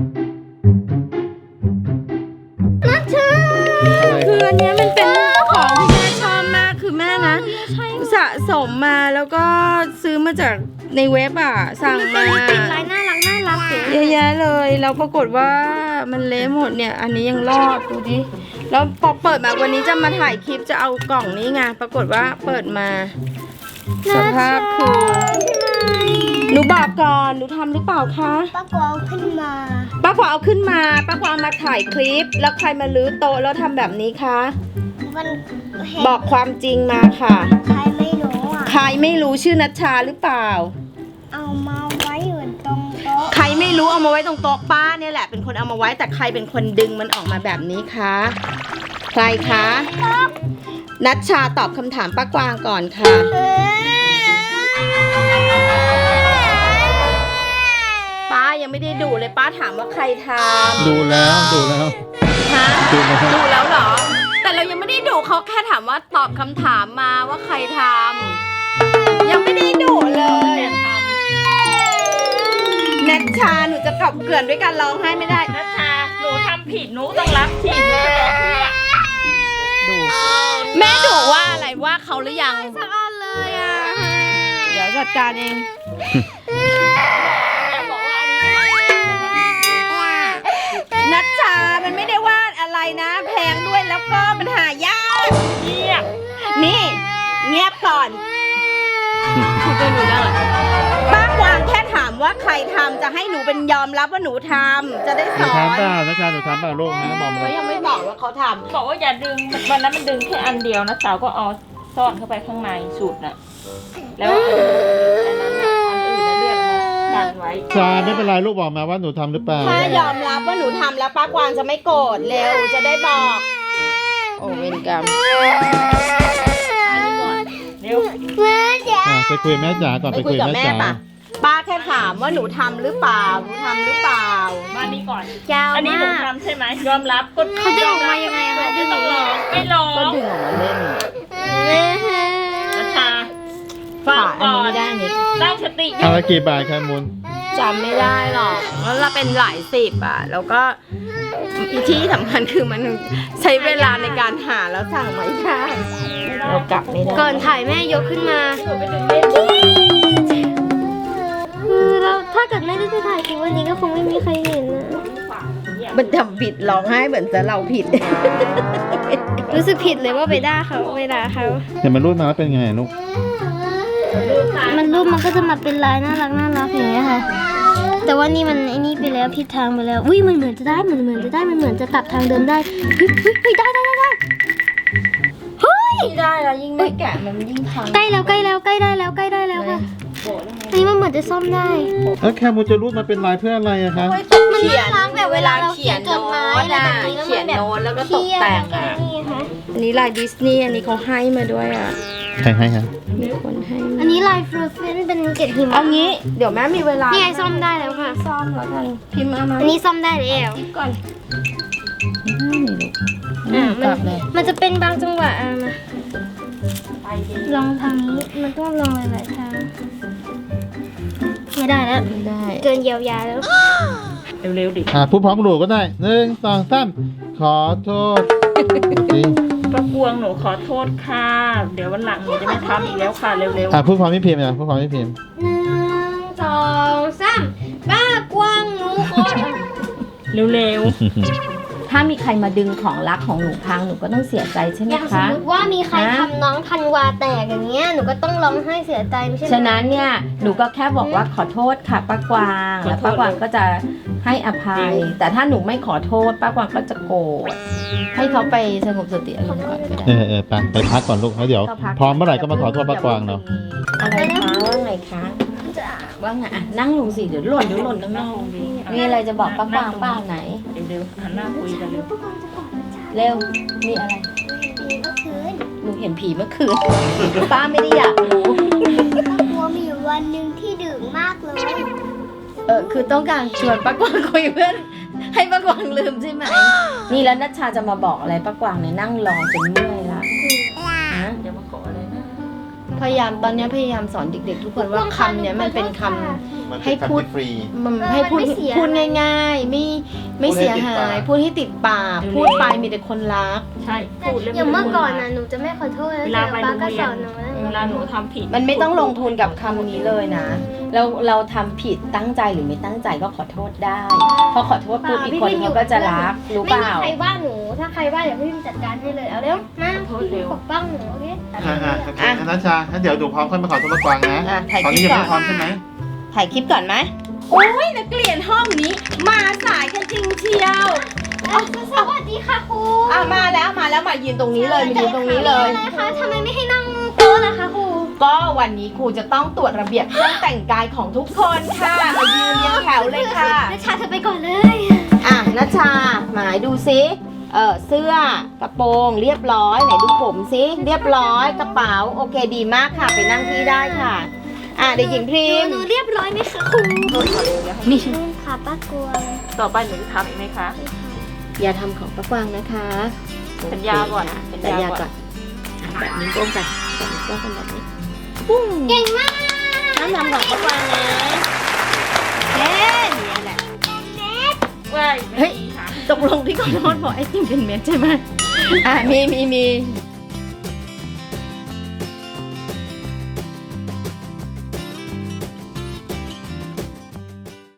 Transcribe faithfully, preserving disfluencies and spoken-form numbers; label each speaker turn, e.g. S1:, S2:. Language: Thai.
S1: นัชชาคืออันนี้มันเป็นของที่แม่ชอบมากคือแม่นะสะสมมาแล้วก็ซื้อมาจากในเว็บอ่ะสั่งมา
S2: ติดลายน่ารักน่ารัก
S1: เยอะแยะเลยแล้วปรากฏว่ามันเละหมดเนี่ยอันนี้ยังรอดดูดิแล้วพอเปิดมาวันนี้จะมาถ่ายคลิปจะเอากล่องนี้ไงปรากฏว่าเปิดมาสภาพคือหนูบอกก่อนหนูทำหรือเปล่าคะ
S2: ป้ากวางขึ้นมา
S1: ป้ากวางเอาขึ้นมาป้ากวางมาถ่ายคลิปแล้วใครมาลื้อโต๊ะแล้วทำแบบนี้คะ
S2: มัน
S1: บอกความจริงมาค่ะ
S2: ใครไม่รู้อ่ะ
S1: ใครไม่รู้ชื่อนัชชาหรือเปล่า
S2: เอามาไว้อยู่ตรงโต๊ะ
S1: ใครไม่รู้เอามาไว้ตรงโต๊ะป้าเนี่ยแหละเป็นคนเอามาไว้แต่ใครเป็นคนดึงมันออกมาแบบนี้คะใครคะนัชชาตอบคำถามป้ากวางก่อนค่ะป้ายังไม่ได้ดูเลยป้าถามว่าใครทำ
S3: ดูแล้วดูแล้ว
S1: ฮะดูแล้วเหรอแต่เรายังไม่ได้ดูเขาแค่ถามว่าตอบคำถามมาว่าใครทำยังไม่ได้ดูเลยนัชชาหนูจะกลับเกลื่อนด้วยการร้องไห้ไม่ได้
S4: นัชชาหนูทำผิดหนูต้องรับผิดเลย
S1: ดูแม่ดูว่าอะไรว่าเขาหรือยัง
S2: สักอันเลยอ่ะ
S1: เดี๋ยวจัดการเองนัชชามันไม่ได้วาดอะไรนะแพงด้วยแล้วก็มันหายาก
S4: เงียบ
S1: นี่เงียบก่อนคุณจะหนูได้หรอป้ากวางแค่ถามว่าใครทำจะให้หนูเป็นยอมรับว่าหนูทำจะได้สอน
S3: หนูทำเปล่านัชชาหนูทำเปล่าลูกนะบอกมา
S1: เขายังไม่บอกว่าเขาท
S4: ำบอกว่าอย่าดึงวันนั้นมันดึงแค่อันเดียวนะสาวก็เอาซ่อนเข้าไปข้างในสูตรน่ะแล้วอันนั้นอันอื่นนั่นเรียกดันไว้
S3: ชาไม่เป็นไรลูกบอกมาว่าหนูทำหรือเปล่า
S1: ถ้ายอมรับว่าหนูทำแล้วป้ากวางจะไม่โกรธเร็วจะได้บอกโอ้เวรกรรม
S4: อันนี้ก่อนเร็ว
S2: แม่จ๋า
S3: ไปคุยแม่จ๋าก่อนไปคุยกับแม่จ๋า
S1: ป้าแค่ถามว่าหนูทำหรือเปล่าหนูทำหรือเปล่า
S4: มานี่ก่อน
S2: อัน
S4: นี้หนูทำใช่ไหมยอมรับก็
S2: เขาดึงออกมายังไงคะดึงออกมา
S4: ไม่ร้อง
S1: ก็ดึงออกมาเล่น
S4: นัชชาฟังก่อนตั้งสติ
S3: อะไรกี่บาทครับมูล
S1: จำไม่ได้หรอกแล้วเราเป็นหลายสิบอ่ะแล้วก็ที่สำคัญคือมันใช้เวลาในการหาแล้วสั่งไม่ได้เรากลับไม่ได้
S2: ก่อนถ่ายแม่ยกขึ้นมาคือเราถ้าเกิดไม่ได้ไปถ่ายคลิปวันนี้ก็คงไม่มีใครเห็นนะ
S1: มันทำผิดร้องไห้เหมือนจะเราผิด
S2: รู้สึกผิดเลยว่าไปด่าเขาไปด่าเขา
S3: เห็นมันรูดมาแล้วเป็นไงลูก
S2: มันรูปมันก็จะมาเป็นลายน่ารักน่ารักอย่างเงี้ยค่ะแต่ว่านี่มันไอ้นี่ไปแล้วผิดทางไปแล้วอุ้ยมันเหมือนจะได้มันเหมือนจะได้มันเหมือนจะตัดทางเดินได้เฮ้ยเฮ้ยได้ได้ได้ได้เฮ้ย
S1: ได้แล้วยิ่งไม่แกะมันยิ่งพัง
S2: ใกล้แล้วใกล้แล้วใกล้ได้แล้วใกล้ได้แล้วค่ะอันนี้มันเหมือนจะซ่อมได้
S3: แล้วแคมูจะรูดมาเป็นลายเพื่ออะไรอะคะ
S2: มันน่ารักแบบเวลาเราเขียนจดหมายอะไรแบบนี้
S1: เขียนโน้ตแล้วก็ตกแต่งอ่ะอันนี้ลายดิสนีย์อันนี้เขาให้มาด้วยอ่ะ
S3: ใครให้คะ
S1: มีคนให้
S2: อันนี้ลายฟรูเฟนเป็นเกล็ดหิมะ
S1: เอางี้เดี๋ยวแม่มีเวลา
S2: นี่ไงซ่อมได้แล้วค่ะ
S1: ซ่อมแล้วกันพิมพ์มา
S2: อันนี้ซ่อมได้แล้ว
S1: ก่อน
S2: อ่ามันมันจะเป็นบางจังหวะอ่ะมาลองทางนี้มันต้องลองหลายๆทางไม่ได้แล้ว
S1: ไม่ได้
S2: เกินเยียวยาแล้ว
S4: เร็วๆดิ
S3: อ่าพูดพร้อมหนูก็ได้หนึ่งสองสามขอโทษ
S4: ป้ากวงหนูขอโทษค่ะเดี๋ยววันหลังหนูจะไม่ทำอีกแล้วค่ะเร็ว
S3: ๆอ่าพูดพร้อมพี่พิมพ์นะพูดพร้อมพี่พิมพ์
S2: หนึ่งสองสามป้ากวงหนูขอ
S4: เร็วๆ
S1: ถ้ามีใครมาดึงของรักของหนูพังหนูก็ต้องเสียใจใช่ไหมคะ
S2: อย่างสมมติว่ามีใครทำน้องธันวาแตกอย่างเงี้ยหนูก็ต้องร้องไห้เสียใจไม่ใช่
S1: ฉะนั้นเนี่ยหนูก็แค่บอกว่าขอโทษค่ะป้ากวางแล้วป้ากวางก็จะให้อภัยแต่ถ้าหนูไม่ขอโทษป้ากวางก็จะโกรธให้เขาไปสงบสติอารมณ์ก่อนก็ได้
S3: เออเออไปไปพักก่อนลูกแล้วเดี๋ยวพร้อมเมื่อไหร่ก็มาขอโทษป้ากวางเนาะ
S1: อะไรคะว่าไงคะว่าไงอ่ะนั่งลงสิเดี๋ยวหล่นเดี๋ยวหล่นนั่งลงดีมีอะไรจะบอกป้ากวางป้าไหน
S4: เร็วๆหันหน้าคุยกันเร็ว
S1: เร็วมีอะไร
S2: ผีเมื่อคืน
S1: หนูเห็นผีเมื่อคืนป้าไม่ได้อยากรู้
S2: ป้ากลัวมีอยู่วันหนึ่งที่ดื่มมากเลย
S1: เออคือต้องการชวนป้ากวางคุยเพื่อนให้ป้ากวางลืมใช่ไหมนี่แล้วนัชชาจะมาบอกอะไรป้ากวางเนี่ยนั่งรอจนเมื่อยละฮะ
S4: เดี๋ยวมาขออะไรนะ
S1: พยายามตอนนี้พยายามสอนเด็กๆทุกคนว่าคำเนี้ยมันเป็นคำ
S3: มัน
S1: ให้
S3: เป็น
S1: พูด
S3: ฟรี
S1: มันให้พูด
S2: มันไม่เสีย
S1: พูดง่ายๆ ไม่ไม่
S3: พูดให้
S1: เสีย
S3: ติด
S1: หา
S3: ปาก
S1: ย พูดให้ติดปากพูดไปมีแต่คนรัก
S4: ใช่พูดแล้ว
S2: อย่างเมื่อก่อนน่ะหนูจะไม่ขอโทษแล้ว
S4: เวลาไป
S2: ป้า
S4: โรง
S2: ก็
S4: เรี
S2: ส
S4: ย
S2: อน นหนูแล้ว
S4: เวลาหนูทำผิด
S1: มันไม่ต้องลงทุนกับคำนี้เลยนะ เราเราทำผิดตั้งใจหรือไม่ตั้งใจก็ขอโทษได้พอขอโทษปุ๊บอีกคนเขาก็จะรักรู้เป
S2: ไม่
S1: ล่า
S2: มีใครว่าหนู ถ้าใครว่าเดี๋ยวพี่พิมจัดการให้เลย เอาเร็ว มาปกป้องหนูโอเค
S3: อ่าอ่าโอเคงั้นนัชชางั้นเดี๋ยวหนูพร้อมค่อยมาขอโทษป้ากวางนะ
S1: อ่ะถ่าย
S3: ตอน
S1: คลิ
S3: นี้
S1: ป
S3: ยัง
S1: ก่อน
S3: ไม่พร้อมใช่ไหม
S1: ถ่ายคลิปก่อนไหมโอ้ยนักเรียนห้องนี้ มาสายกันจริงเชียว
S2: สวัสดีค่ะครู
S1: อ่ะมาแล้วมาแล้วมายืนตรงนี้เลยมายืนตรงนี้เลย
S2: อะไรคะทำไมไม่ให้นั่งโต๊ะล่ะคะครู
S1: ก็วันนี้ครูจะต้องตรวจระเบียบเครื่องแต่งกายของทุกคนค่ะ มายืนเรียงแถวเลยค่ะ
S2: นัชชาเธอไปก่อนเลย
S1: อ่ะนัชชาหมายดูซิเออเสื้อกระโปรงเรียบร้อยไหนดูผมซิเรียบร้อยกระเป๋าโอเคดีมากค่ะไปนั่งที่ได้ค่ะอ่ะเด็กหญิงพริม
S2: หนูเรียบร้อยไหมคะครู
S1: นี่
S2: ค่ะป้ากลัว
S4: ต่อไปหนูจะทำอีกไหมคะ
S1: อย่าทำของป้ากวางนะคะ
S4: สัญญาก่อน
S1: โเคค่ะ
S4: สั
S1: สัญ
S4: ญ
S1: ญา
S4: ญาก่
S1: ก่อ
S4: อน น
S1: อ่ะแบบนิ้วโป้งกันแบบนิ้วโป้งกันแบบนี้ปุ้ง
S2: เก่งมาก
S1: น้ำทำของป้ากวางนะเย้นี่แหละ
S4: ว้าย
S1: เฮ้ย
S4: ไม่มีค่ะ
S1: ตกลงที่ขอโทษบอกไอติมเป็นเม็ดใช่ไหมอ่ะมีมีมี